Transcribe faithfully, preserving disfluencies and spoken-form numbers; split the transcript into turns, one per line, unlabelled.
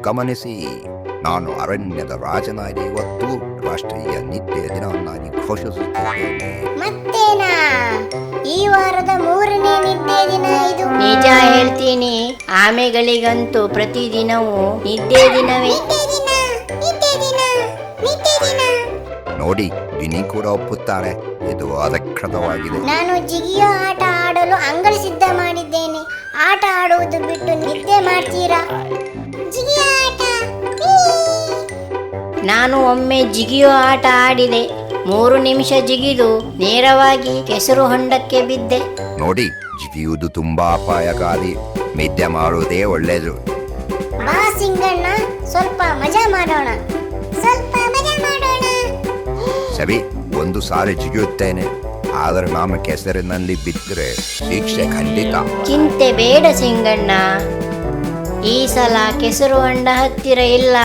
ಗಮನಿಸಿ. ನಾನು ಅರಣ್ಯದ ರಾಜನಾಗಿ ಇವತ್ತು ರಾಷ್ಟ್ರೀಯ ನಿತ್ಯ ದಿನವನ್ನಾಗಿ ಘೋಷಿಸುತ್ತಿದ್ದೇನೆ.
ಮತ್ತೇನಾ ಈ ವಾರದ ಮೂರನೇ ನಿದ್ದೆ ದಿನ ಇದು?
ನಿಜ ಹೇಳ್ತೀನಿ, ಆಮೆಗಳಿಗಂತೂ ಪ್ರತಿದಿನವೂ ನಿದ್ದೆ ದಿನವೇ.
ನೋಡಿ, ಗಿನಿ ಕೂಡ ಒಪ್ಪುತ್ತಾರೆ, ಇದು ಅಧಿಕೃತವಾಗಿದೆ.
ನಾನು ಜಿಗಿಯೋ ಆಟ ಆಡಲು ಅಂಗಳ ಸಿದ್ಧ ಮಾಡಿದ್ದೇನೆ. ಆಟ ಆಡುವುದು ಬಿಟ್ಟು ನಿದ್ದೆ ಮಾಡ್ತೀರಾ? ಜಿಗಿಯೋ ಆಟ.
ನಾನು ಒಮ್ಮೆ ಜಿಗಿಯೋ ಆಟ ಆಡಿದೆ. ಮೂರು ನಿಮಿಷ ಜಿಗಿದು ನೇರವಾಗಿ ಕೆಸರು ಹೊಂಡಕ್ಕೆ ಬಿದ್ದೆ.
ನೋಡಿ, ಜಿಗಿಯುವುದು ತುಂಬಾ ಅಪಾಯಕಾರಿ. ನಿದ್ದೆ ಮಾಡುವುದೇ ಒಳ್ಳೆಯದು.
ಬಾ ಸಿಂಗಣ್ಣ, ಸ್ವಲ್ಪ ಮಜಾ ಮಾಡೋಣ. ಸ್ವಲ್ಪ ಮಜಾ ಮಾಡೋಣ.
ಸರಿ, ಒಂದು ಸಾರಿ ಜಿಗಿಯುತ್ತೇನೆ, ಆದರೆ ನಾನು ಕೆಸರಿನಲ್ಲಿ ಬಿದ್ದರೆ ಶಿಕ್ಷೆ ಖಂಡಿತ.
ಚಿಂತೆ ಬೇಡ ಸಿಂಗಣ್ಣ, ಈ ಸಲ ಕೆಸರು ಹೊಂಡ ಹತ್ತಿರ ಇಲ್ಲ.